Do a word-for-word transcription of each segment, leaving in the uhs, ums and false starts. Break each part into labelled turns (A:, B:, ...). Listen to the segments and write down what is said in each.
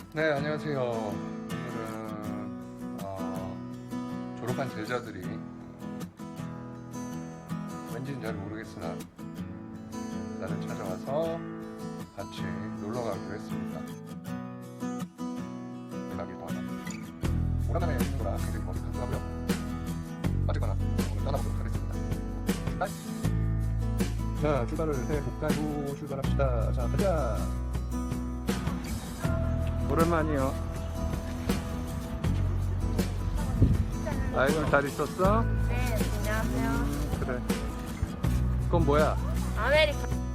A: 네, 안녕하세요. 오늘은 어, 졸업한 제자들이 왠지는 잘 모르겠으나 나를 찾아와서 같이 놀러 가기로 했습니다. 연락이 더 오랜만에 있는 거라 굉장히 어색하기도 하고요. 어쨌거나 오늘 떠나보도록 하겠습니다. 바이. 자, 출발을 해볼까요? 출발합시다. 자, 가자. 오랜만이요. 아이고, 잘 있었어?
B: 네, 안녕하세요.
A: 그래. 그건 뭐야?
B: 아메리카.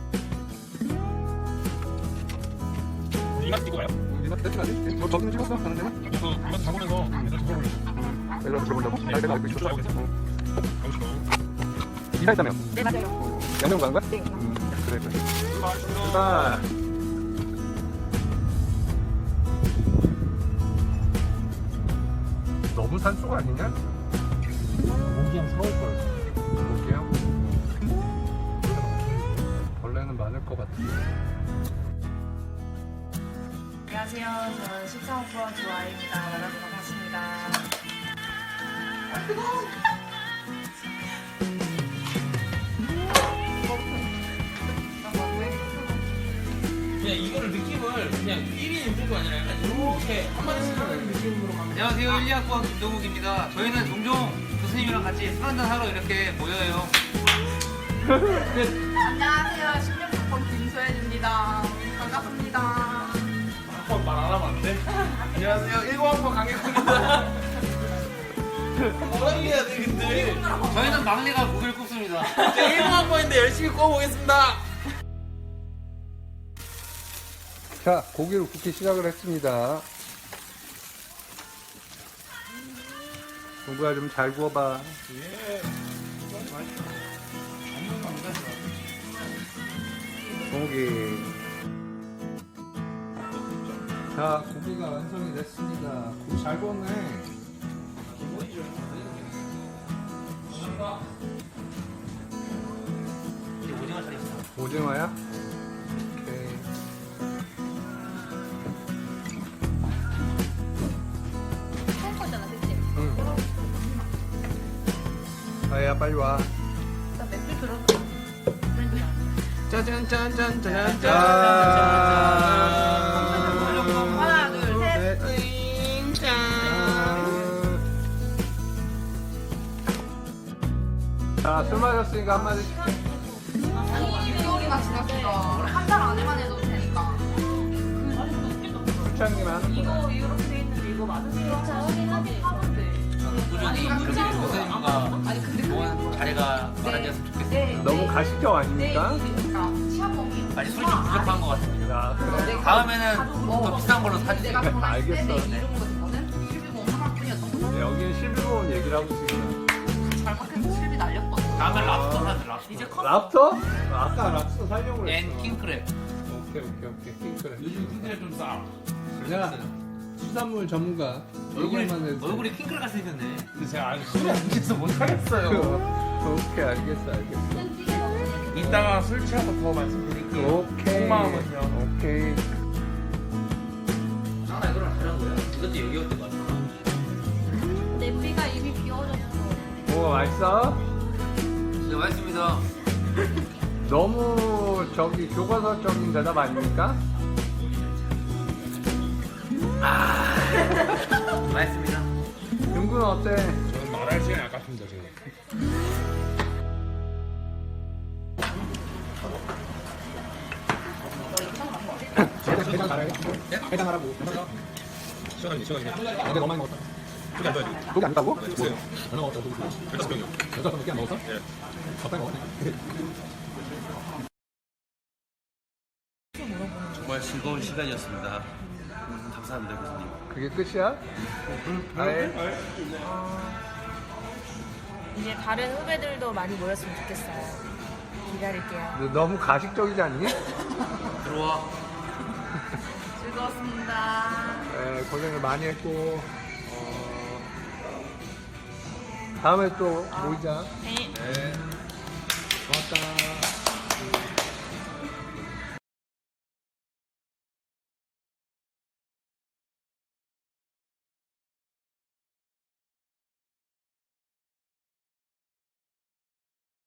C: 이만 찍고 가요?
A: 이만 대충 하지? 너 저기는 찍었어? 가는 데는?
C: 저 이만 가보면서 내가 들어보려고.
A: 내가 들어본다고? 나 내가 알고 있었어.
C: 가고 싶어.
A: 이사했다며?
B: 네, 맞아요.
A: 양명 가는 거야?
B: 네.
A: 음, 그래, 그래.
C: 출발.
A: 출발! 너무 산속 아니냐?
C: 모기향 서울걸.
A: 모기향? 벌레는 많을 것 같아.
B: 안녕하세요. 저는 십삼 호 조아입니다. 만나서 반갑습니다.
D: 그냥 이거를 느낌을 그냥 일 인 유튜브 아니라 약간 이렇게 한마디씩 하는 느낌으로 가면. 안녕하세요. 일, 이 학번 김동욱입니다. 저희는 종종 교수님이랑 같이 술 한잔 하러 이렇게 모여요.
B: 안녕하세요. 십육 학번 김소연입니다. 반갑습니다.
D: 한번 말 안 하면 안 돼? 안녕하세요. 일곱 학번 강혁입니다. 뭐라 해야 돼 근데? 저희는 막내가 고기를 굽습니다. 일곱 학번인데 열심히 구워보겠습니다.
A: 자, 고기를 굽기 시작을 했습니다. 동구야 좀 잘 구워봐. 고기. 자, 고기가 완성이 됐습니다. 고기 잘 구웠네.
D: 이제 오징어 차렸어.
A: 오징어야? 오케이.
B: 처음 거잖아, 그치?
A: 응. 아야, 빨리 와.
B: 나 맥주 들어서 브랜드 나.
D: 짜잔짠짠짠짠.
A: 짠.
B: 하나, 둘, 셋.
A: 자, 술 마셨으니까 한마디씩.
B: 육 개월이나 지났으니까 한 달 안에만 해도 되니까.
A: 술창님 하는 거.
B: 이거 이렇게 돼 있는데 이거 맞으세요? 확인하지.
D: 꾸준히
B: 아니,
D: 그렇게 교수님과
B: 아니 근데
D: 좋은 자리가 마련되었으면 좋겠습니다.
A: 너무 가식적 아닙니까?
B: 시합범위.
D: 아니 술이 좀 부족한 것 같습니다.
A: 야, 그래.
D: 다음에는 더 비싼 걸로 사주세요.
B: 내가 전화했을
A: 알겠어.
B: 때이 정도 되거든? 실비공 하나뿐이었던 거죠.
A: 여기는 십일 번 얘기를 하고 있으니까.
B: 잘 박혀서 실비 날렸거든.
D: 다음에 랍스터 사자 랍스터. 이제 컸어.
A: 랍스터? 아까 랍스터 살려고
D: 앤
A: 그랬어.
D: 킹크랩.
A: 오케이, 오케이, 오케이. 킹크랩.
D: 요즘 킹크랩 좀 싸.
A: 내가 수산물 전문가.
D: 얼굴이
A: 얘기만 해도 돼.
D: 얼굴이 킹크랩 같이 생겼네.
C: 근데 제가 아직 술이 안 취해서 못하겠어요.
A: 오케이, 알겠어, 알겠어.
C: 이따가 술 취하고 더 말씀드릴게요.
A: 오케이.
C: 속마음은요.
A: 오케이.
D: 아 이거랑 다른 거야? 이것도 여기 올때 맞아.
B: 냄비가 입이 비워졌어.
A: 오, 맛있어?
D: 네 맛있습니다.
A: 너무 저기 교과서적인 대답 아닙니까?
D: 맛있습니다.
A: 윤구는 어때?
C: 저는 말할 시간이 아깝습니다 지금.
A: 해장 잘해. 해장하라고.
C: 시원하니 시원하니.
A: 어제 너무 많이 먹었다.
C: 그게 안 돼요.
A: 고기 안 따고?
C: 주세요.
A: 얼마 먹었다, 고기?
C: 열다섯 병이요.
A: 여섯 병밖에 안 먹었어?
C: 예.
A: 적당히 먹었네.
E: 정말 즐거운 시간이었습니다. 음, 감사합니다, 교수님.
A: 그게 끝이야? 아예?
B: 이제 다른 후배들도 많이 모였으면 좋겠어요. 기다릴게요.
A: 너 너무 가식적이지 않니?
D: 들어와.
B: 즐거웠습니다.
A: 네, 고생을 많이 했고 어, 다음에 또 모이자.
B: 네.
A: 네. 고맙다.